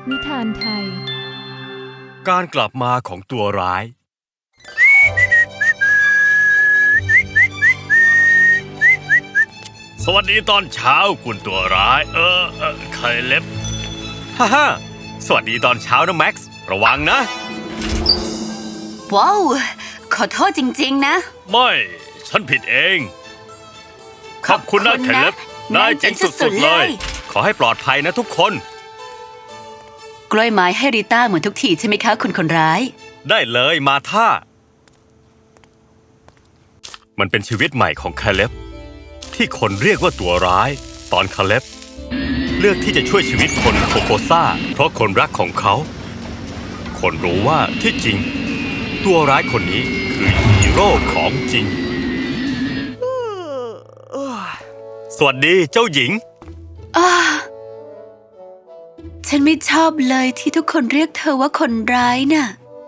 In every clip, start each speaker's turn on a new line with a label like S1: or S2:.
S1: นิทานไทย
S2: การกลับมาของตัวร้ายสวัสดีตอนเช้าคุณตัวร้ายไคลเล็บฮ่าสวัสดีตอนเช้านะแม็กซ์ระวังนะ
S3: ว้าวขอโทษจริงๆนะ
S2: ไม่ฉันผิดเองขอบคุณนะไคลเล็บนายเจ๋งสุดๆเลยขอให้ปลอดภัยนะทุกคน
S3: กล้วยไม้ให้ริต้าเหมือนทุกทีใช่ไหมคะคุณคนร้าย
S2: ได้เลยมาท่ามันเป็นชีวิตใหม่ของคาเล็บที่คนเรียกว่าตัวร้ายตอนคาเล็บเลือกที่จะช่วยชีวิตคนโคโคซ่าเพราะคนรักของเขาคนรู้ว่าที่จริงตัวร้ายคนนี้คือฮีโร่ของจริงสวัสดีเจ้าหญิง
S3: ฉันไม่ชอบเลยที่ทุกคนเรียกเธอว่าคนร้ายน่ะ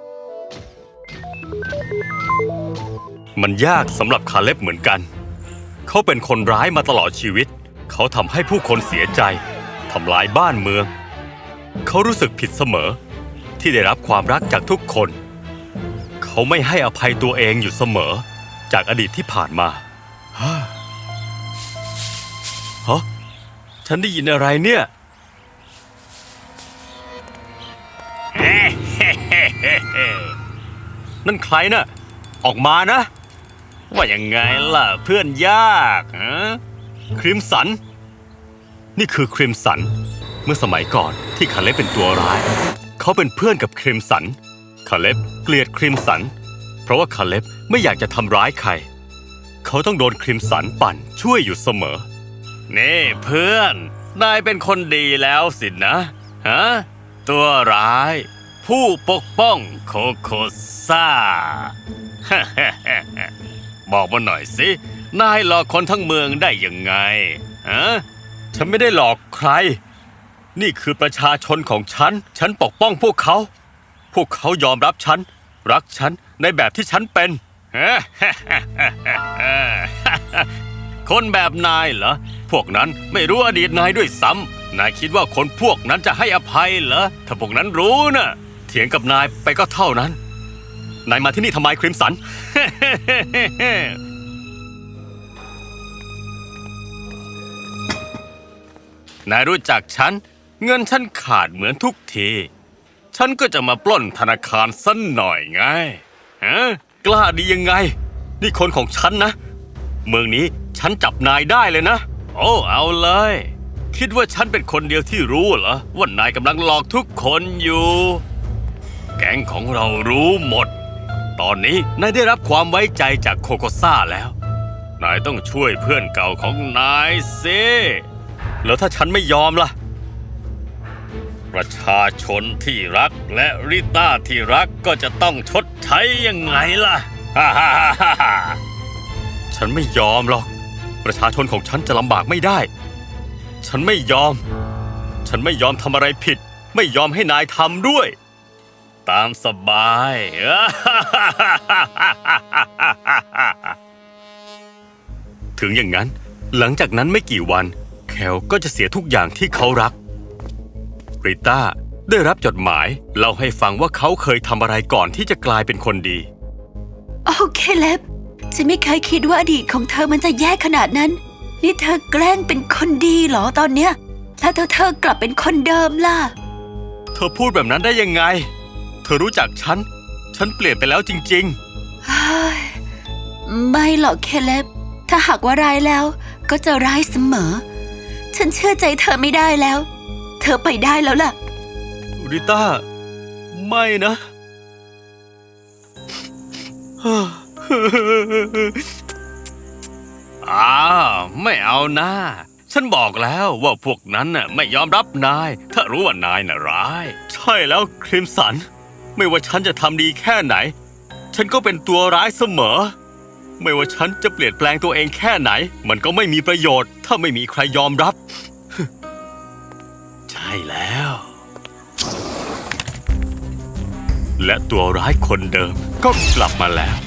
S2: มันยากสำหรับคาเล็บเหมือนกันเขาเป็นคนร้ายมาตลอดชีวิตเขาทำให้ผู้คนเสียใจทำลายบ้านเมืองเขารู้สึกผิดเสมอที่ได้รับความรักจากทุกคนเขาไม่ให้อภัยตัวเองอยู่เสมอจากอดีตที่ผ่านมาฮะฉันได้ยินอะไรเนี่ยนั่นใครน่ะออกมานะว่ายังไงล่ะเพื่อนยากคริมสันนี่คือคริมสันเมื่อสมัยก่อนที่คาเล็บเป็นตัวร้ายเขาเป็นเพื่อนกับคริมสันคาเล็บเกลียดคริมสันเพราะว่าคาเล็บไม่อยากจะทำร้ายใครเขาต้องโดนคริมสันปั่นช่วยอยู่เสมอนี่เพื่อนนายเป็นคนดีแล้วสินะตัวร้ายผู้ปกป้องโคโคซ่า บอกมาหน่อยสินายหลอกคนทั้งเมืองได้ยังไงฉันไม่ได้หลอกใครนี่คือประชาชนของฉันปกป้องพวกเขายอมรับฉันรักฉันในแบบที่ฉันเป็น คนแบบนายเหรอพวกนั้นไม่รู้อดีตนายด้วยซ้ำนายคิดว่าคนพวกนั้นจะให้อภัยเหรอถ้าพวกนั้นรู้นะเถียงกับนายไปก็เท่านั้นนายมาที่นี่ทำไมคริมสัน นายรู้จักฉันเงินฉันขาดเหมือนทุกทีฉันก็จะมาปล้นธนาคารสักหน่อยไงกล้าดียังไงนี่คนของฉันนะเมืองนี้ฉันจับนายได้เลยนะโอ้เอาเลยคิดว่าฉันเป็นคนเดียวที่รู้เหรอว่านายกำลังหลอกทุกคนอยู่แก๊งของเรารู้หมดตอนนี้นายได้รับความไว้ใจจากโคโคซ่าแล้วนายต้องช่วยเพื่อนเก่าของนายสิแล้วถ้าฉันไม่ยอมล่ะประชาชนที่รักและริต้าที่รักก็จะต้องชดใช้ยังไงล่ะ ฉันไม่ยอมหรอกประชาชนของฉันจะลำบากไม่ได้ฉันไม่ยอมทำอะไรผิดไม่ยอมให้นายทำด้วยตามสบาย ถึงอย่างนั้นหลังจากนั้นไม่กี่วันแคลก็จะเสียทุกอย่างที่เขารักริต้าได้รับจดหมายเล่าให้ฟังว่าเขาเคยทำอะไรก่อนที่จะกลายเป็นคนดี
S3: โอเคเล็บฉันไม่เคยคิดว่าอดีตของเธอมันจะแย่ขนาดนั้นนี่เธอแกล้งเป็นคนดีเหรอตอนเนี้ยแล้วเธอกลับเป็นคนเดิมล่ะ
S2: เธอพูดแบบนั้นได้ยังไงเธอรู้จักฉันเปลี่ยนไปแล้วจริง
S3: ๆไม่หรอกเคเล็บถ้าหากว่าร้ายแล้วก็จะร้ายเสมอฉันเชื่อใจเธอไม่ได้แล้วเธอไปได้แล้วล่ะ
S2: ริต้าไม่นะไม่เอานะฉันบอกแล้วว่าพวกนั้นน่ะไม่ยอมรับนายถ้ารู้ว่านายน่ะร้ายใช่แล้วคริมสันไม่ว่าฉันจะทำดีแค่ไหนฉันก็เป็นตัวร้ายเสมอไม่ว่าฉันจะเปลี่ยนแปลงตัวเองแค่ไหนมันก็ไม่มีประโยชน์ถ้าไม่มีใครยอมรับใช่แล้วและตัวร้ายคนเดิมก็กลับมาแล้ว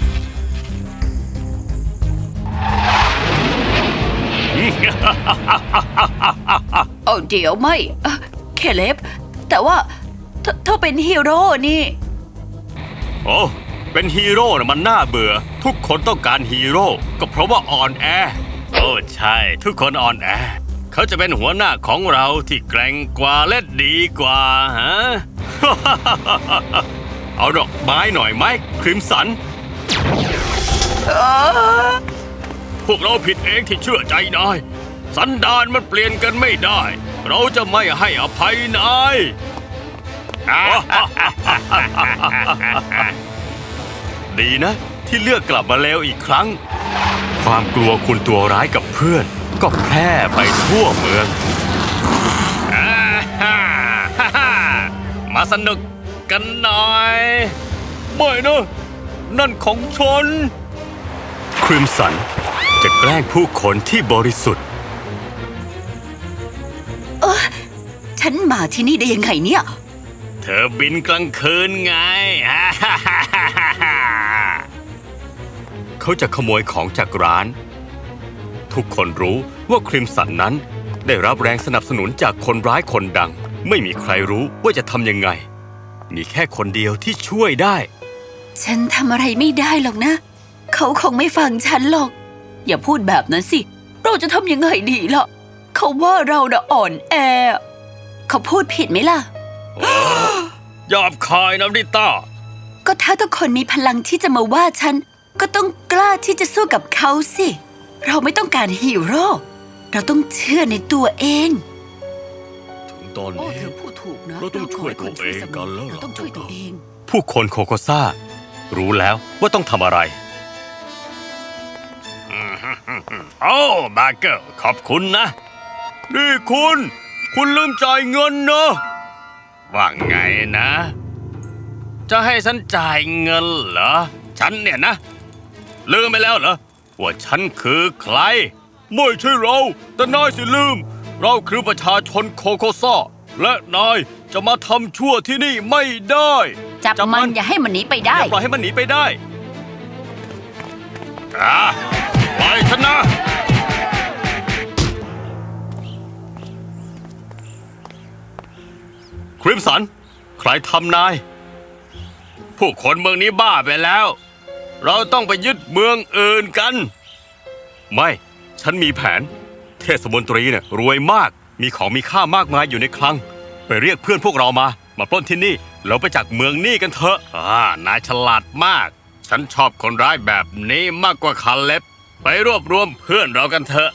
S3: โอ้เดี๋ยวไม่เคเล็บแต่ว่าเธอเป็นฮีโร่นี่
S2: โอ้เป็นฮีโร่นะมันน่าเบื่อ ทุกคนต้องการฮีโร่ก็เพราะว่าอ่อนแอ โอ้ใช่ ทุกคนอ่อนแอ เขาจะเป็นหัวหน้าของเราที่แกร่งกว่าและดีกว่าฮะ เอาดอกไม้หน่อยไหมคริมสัน พวกเราผิดเองที่เชื่อใจนาย สันดานมันเปลี่ยนกันไม่ได้ เราจะไม่ให้อภัยนาย ดีนะที่เลือกกลับมาแล้วอีกครั้ง ความกลัวคุณตัวร้ายกับเพื่อน ก็แพร่ไปทั่วเมือง มาสนุกกันหน่อยไม่นะนั่นของฉันคริมสันจะแกล้งผู้คนที่บริสุทธิ์
S3: ฉันมาที่นี่ได้ยังไงเนี่ย
S2: เธอบินกลางคืนไง เขาจะขโมยของจากร้าน ทุกคนรู้ว่าคริมสันนั้นได้รับแรงสนับสนุนจากคนร้ายคนดัง ไม่มีใครรู้ว่าจะทำยังไง มีแค่คนเดียวที่ช่วยได้
S3: ฉันทำอะไรไม่ได้หรอกนะ เขาคงไม่ฟังฉันหรอก อย่าพูดแบบนั้นสิ เราจะทำยังไงดีล่ะ เขาว่าเราน่ะอ่อนแอ เขาพูดผิดไหมล่ะ
S2: หยาบคายนะริต้า
S3: ก็ถ้าทุกคนมีพลังที่จะมาว่าฉัน ก็ต้องกล้าที่จะสู้กับเขาสิ เราไม่ต้องการฮีโร่ เราต้องเชื่อในตัวเอง
S2: ถึงตอน
S3: โอ้
S2: นี้
S3: เธอพูดถูกนะ
S2: เราต้องช่วยตัวเองกันแล้ว
S3: เราต้องช่วยตัวเอง
S2: ผู้คนโคโคซ่า รู้แล้วว่าต้องทำอะไร โอ้บาเกอร์ขอบคุณนะ นี่คุณลืมจ่ายเงินนะ ว่าไงนะ จะให้ฉันจ่ายเงินเหรอ ฉันเนี่ยนะ ลืมไปแล้วเหรอ ว่าฉันคือใคร ไม่ใช่เรา แต่นายสิลืม เราคือประชาชนโคโคซ่า และนายจะมาทำชั่วที่นี่ไม่ได้
S3: จับมันอย่าให้มันหนีไปได้
S2: อย่าปล่อยให้มันหนีไปได้ปล่อยฉันนะ คริมสัน ใครทำนาย ผู้คนเมืองนี้บ้าไปแล้ว เราต้องไปยึดเมืองอื่นกัน ไม่ ฉันมีแผน เทศมนตรีเนี่ยรวยมาก มีของมีค่ามากมายอยู่ในคลัง ไปเรียกเพื่อนพวกเรามาปล้นที่นี่ แล้วไปจากเมืองนี่กันเถอะนายฉลาดมาก ฉันชอบคนร้ายแบบนี้มากกว่าคาเล็บ ไปรวบรวมเพื่อนเรากันเถอะ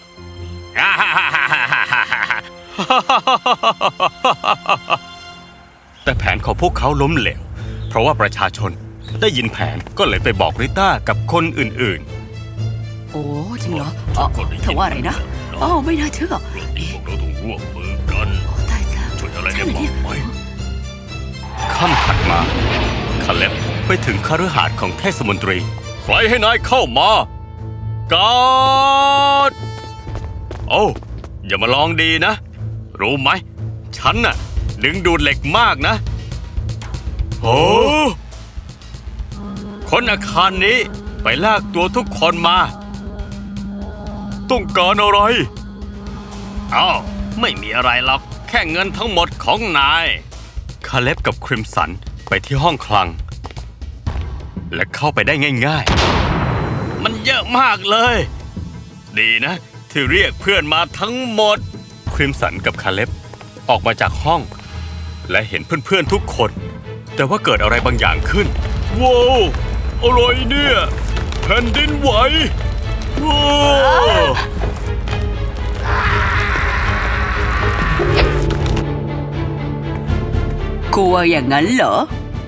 S2: แต่แผนของพวกเขาล้มเหลว เพราะว่าประชาชนได้ยินแผนก็เลยไปบอกริต้ากับคนอื่น
S3: โอ้จริงเหรอเธอว่าอะไรนะอ๋อไม่น่าเชื่อ
S2: ๆพวกเราต้องร่วมมือกัน
S3: โอ้ตายแล้ว
S2: ช่วยอะไร
S3: ใช่
S2: ได้
S3: เหรอเนี่ย
S2: บ้างไหมค่ำถัดมาคาเล็บไปถึงคฤหาสน์ของเทศมนตรี ใครให้นายเข้ามากาดโอ้อย่ามาลองดีนะ รู้ไหม ฉันน่ะดึงดูดเหล็กมากนะโอ้คนอาคารนี้ไปลากตัวทุกคนมา ต้องการอะไรอ้าวไม่มีอะไรหรอก แค่เงินทั้งหมดของนายคาเล็บกับคริมสันไปที่ห้องคลัง และเข้าไปได้ง่ายๆ มันเยอะมากเลย ดีนะที่เรียกเพื่อนมาทั้งหมด คริมสันกับคาเล็บออกมาจากห้อง และเห็นเพื่อนๆทุกคน แต่ว่าเกิดอะไรบางอย่างขึ้นว้าวอะไรเนี่ยแผ่นดินไหวว้าว
S3: กลัวอย่างนั้นเหรอ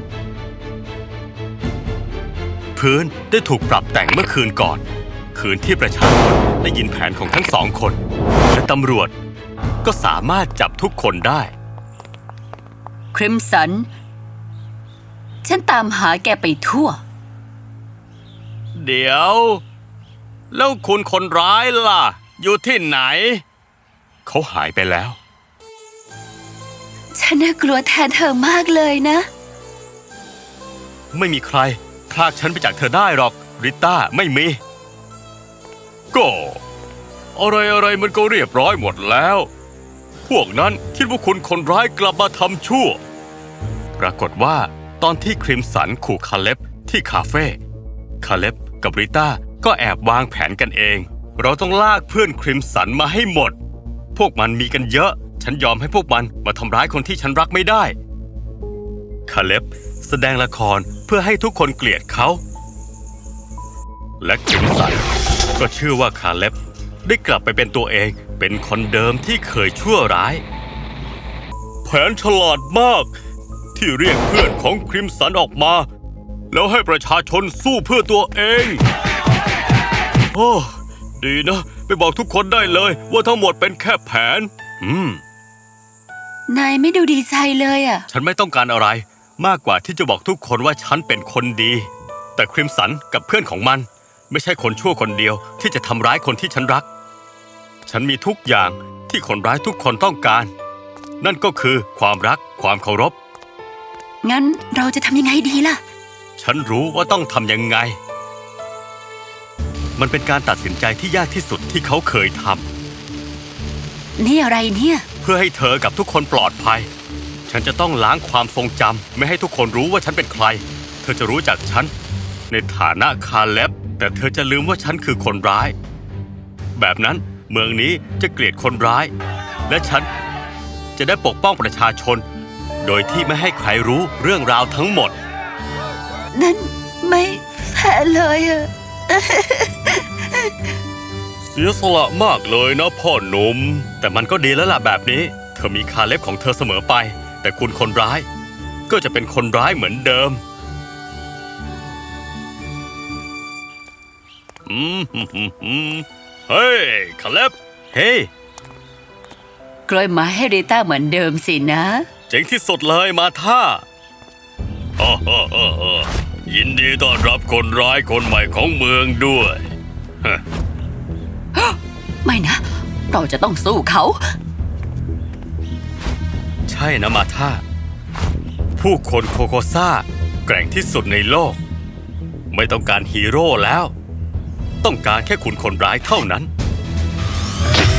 S2: พื้นได้ถูกปรับแต่งเมื่อคืนก่อน คืนที่ประชาชนได้ยินแผนของทั้งสองคน และตำรวจก็สามารถจับทุกคนได้
S3: คริมสัน ฉันตามหาแกไปทั่ว
S2: เดี๋ยว แล้วคุณคนร้ายล่ะ อยู่ที่ไหน เขาหายไปแล้ว
S3: ฉันน่ากลัวแทนเธอมากเลยนะ
S2: ไม่มีใครพรากฉันไปจากเธอได้หรอกริต้าไม่มี ก็อะไรมันก็เรียบร้อยหมดแล้ว พวกนั้นคิดว่าคุณคนร้ายกลับมาทำชั่วปรากฏว่าตอนที่คริมสันขู่คาเล็บที่คาเฟ่คาเล็บกับริต้าก็แอบวางแผนกันเองเราต้องลากเพื่อนคริมสันมาให้หมดพวกมันมีกันเยอะฉันยอมให้พวกมันมาทำร้ายคนที่ฉันรักไม่ได้คาเล็บแสดงละครเพื่อให้ทุกคนเกลียดเขาและคริมสันก็เชื่อว่าคาเล็บได้กลับไปเป็นตัวเองเป็นคนเดิมที่เคยชั่วร้ายแผนฉลาดมากที่เรียกเพื่อนของคริมสันออกมาแล้วให้ประชาชนสู้เพื่อตัวเองโอ้ดีนะไปบอกทุกคนได้เลยว่าทั้งหมดเป็นแค่แผน
S3: นายไม่ดูดีใจเลยอ่ะ
S2: ฉันไม่ต้องการอะไรมากกว่าที่จะบอกทุกคนว่าฉันเป็นคนดีแต่คริมสันกับเพื่อนของมันไม่ใช่คนชั่วคนเดียวที่จะทำร้ายคนที่ฉันรักฉันมีทุกอย่างที่คนร้ายทุกคนต้องการนั่นก็คือความรักความเคารพ
S3: งั้นเราจะทำยังไงดีล่ะ
S2: ฉันรู้ว่าต้องทำยังไงมันเป็นการตัดสินใจที่ยากที่สุดที่เขาเคยท
S3: ำนี่อะไรเนี่ย
S2: เพื่อให้เธอกับทุกคนปลอดภัยฉันจะต้องล้างความทรงจำไม่ให้ทุกคนรู้ว่าฉันเป็นใครเธอจะรู้จักฉันในฐานะคาเล็บแต่เธอจะลืมว่าฉันคือคนร้ายแบบนั้นเมืองนี้จะเกลียดคนร้ายและฉันจะได้ปกป้องประชาชนโดยที่ไม่ให้ใครรู้เรื่องราวทั้งหมด
S3: นั่นไม่แพ้เลยอะ
S2: เสียสละมากเลยนะพ่อหนุ่มแต่มันก็ดีแล้วล่ะแบบนี้เธอมีคาเล็บของเธอเสมอไปแต่คุณคนร้ายก็จะเป็นคนร้ายเหมือนเดิมเฮ้ยคาเล็บเฮ้ย
S3: กล้วยไม้ให้ริต้าเหมือนเดิมสินะ
S2: เจ๋งที่สุดเลยมาท่ายินดีต้อนรับคนร้ายคนใหม่ของเมืองด้วย
S3: ไม่นะเราจะต้องสู้เขา
S2: ใช่นะมาท่าผู้คนโคโคซ่าแกร่งที่สุดในโลกไม่ต้องการฮีโร่แล้วต้องการแค่คุณคนร้ายเท่านั้น